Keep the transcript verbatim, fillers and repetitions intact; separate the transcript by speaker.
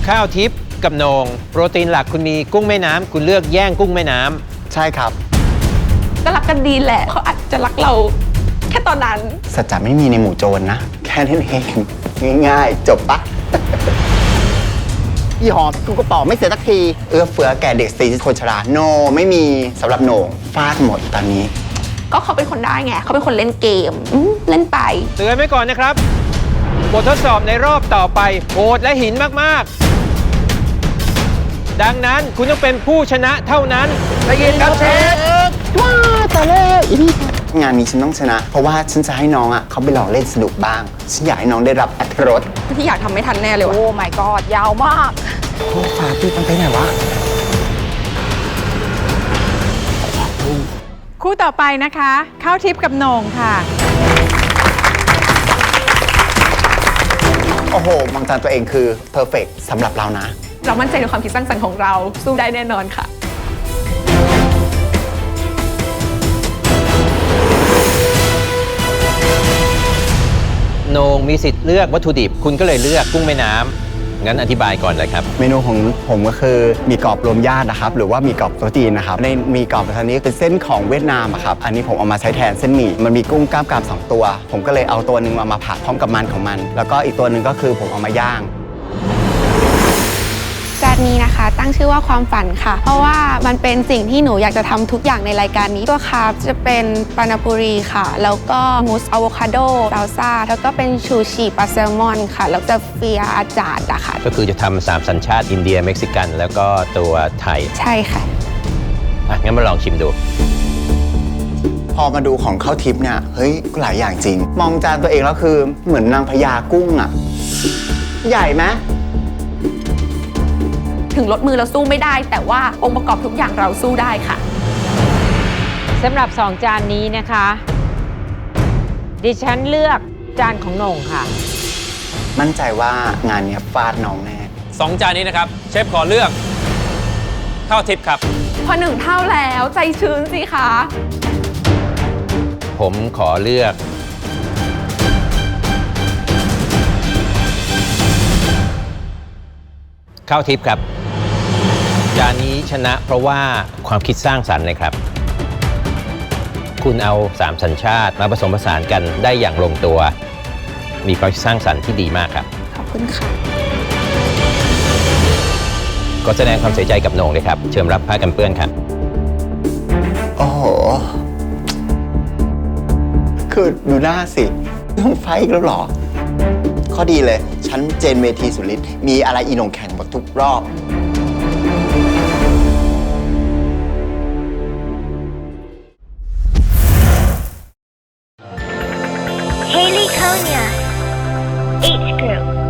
Speaker 1: ข้าวทิพย์กับโหน่งโปรตีนหลักคุณมีกุ้งแม่น้ำคุณเลือกแย่งกุ้งแม่น้ำ
Speaker 2: ใช่ครับ
Speaker 3: ก็รักกันดีแหละเขาอาจจะรักเราแค่ตอนนั้น
Speaker 2: สัจจะไม่มีในหมู่โจรนะแค่นั้นเองง่ายๆจบปะยี่หอมกูกระป๋อไม่เสียสักทีเอื้อเฟื้อแก่เด็กสตรีคนชราโนไม่มีสำหรับโหน่งฟาดหมดตอนนี้
Speaker 3: ก็เขาเป็นคนได้ไงเขาเป็นคนเล่นเกมเล่นไป
Speaker 1: เตือนไว้ก่อนนะครับบททดสอบในรอบต่อไปโหดและหินมากๆดังนั้นคุณต้องเป็นผู้ชนะเท่านั้นได้ยินครับเชฟ
Speaker 2: ว้าแต่เลยอีนี่งานนี้ฉันต้องชนะเพราะว่าฉันจะให้น้องอ่ะเขาไปลองเล่นสนุกบ้างฉันอยากให้น้องได้รับอรรถรส
Speaker 3: ที่อยากทำไม่ทันแน่เลยว่ะโอ้ my god ยาวมาก
Speaker 2: โอ้ฟาตี้มันไปไหนวะ
Speaker 4: คู่ต่อไปนะคะข้าวทิพย์กับโหน่งค่ะ
Speaker 2: โอ้โหมองจานตัวเองคือเพอร์เฟกต์สำหรับเรานะ
Speaker 3: เรามั่นใจในความคิดสร้างสรรค์ของเราสู้ได้แน่นอนค่ะ
Speaker 1: โหน่งมีสิทธิ์เลือกวัตถุดิบคุณก็เลยเลือกกุ้งแม่น้ำงั้นอธิบายก่อนเลยครับ
Speaker 2: เมนูของผมก็คือมีกรอบรวมญาตินะครับหรือว่ามีกรอบโต๊ะจีนนะครับในมีกรอบอันนี้เป็นเส้นของเวียดนามครับอันนี้ผมเอามาใช้แทนเส้นหมี่มันมีกุ้งกล้ามกรามสองตัวผมก็เลยเอาตัวหนึ่งมามาผัดพร้อมกับมันของมันแล้วก็อีกตัวหนึ่งก็คือผมเอามาย่าง
Speaker 5: จานนี้นะคะตั้งชื่อว่าความฝันค่ะเพราะว่ามันเป็นสิ่งที่หนูอยากจะทำทุกอย่างในรายการนี้ตัวคาร์บจะเป็นปานาปุรีค่ะแล้วก็มูสอะโวคาโดซาลซ่าแล้วก็เป็นชูชีปลาแซลมอนค่ะแล้วจะเฟียอาจารย์อะค่ะ
Speaker 1: ก็คือจะทำสามสัญชาติอินเดียเม็กซิกันแล้วก็ตัวไทย
Speaker 5: ใช่ค่ะ
Speaker 1: อ่ะงั้นมาลองชิมดู
Speaker 2: พอมาดูของข้าวทิพย์เนี่ยเฮ้ยหลายอย่างจริงมองจานตัวเองแล้วคือเหมือนนางพญากุ้งอะใหญ่ไหม
Speaker 3: ถึงลดมือเราสู้ไม่ได้แต่ว่าองค์ประกอบทุกอย่างเราสู้ได้ค่ะ
Speaker 4: สำหรับสองจานนี้นะคะดิฉันเลือกจานของโหน่งค่ะ
Speaker 2: มั่นใจว่างานนี้ฟาดน้องแน่
Speaker 1: สองจานนี้นะครับเชฟขอเลือกข้าวทิพย์ครับ
Speaker 3: พอหนึ่งเท่าแล้วใจชื้นสิคะ
Speaker 1: ผมขอเลือกข้าวทิพย์ครับจานนี้ชนะเพราะว่าความคิดสร้างสรรค์เลยครับคุณเอาสามสัญชาติมาผสมผสานกันได้อย่างลงตัวมีความคิดสร้างสรรค์ที่ดีมากครับ
Speaker 5: ขอบคุณค่ะ
Speaker 1: ก็แสดงความเสียใจกับโหน่งเลยครับเชิญรับผ้ากันเปื้อนครับ
Speaker 2: โอ้โหคือดูหน้าสิต้องไฟอีกแล้วหรอข้อดีเลยฉันเจนเวทีสุริศมีอะไรอีโหน่งแข่งหมดทุกรอบ
Speaker 6: Haley Konya, H Group.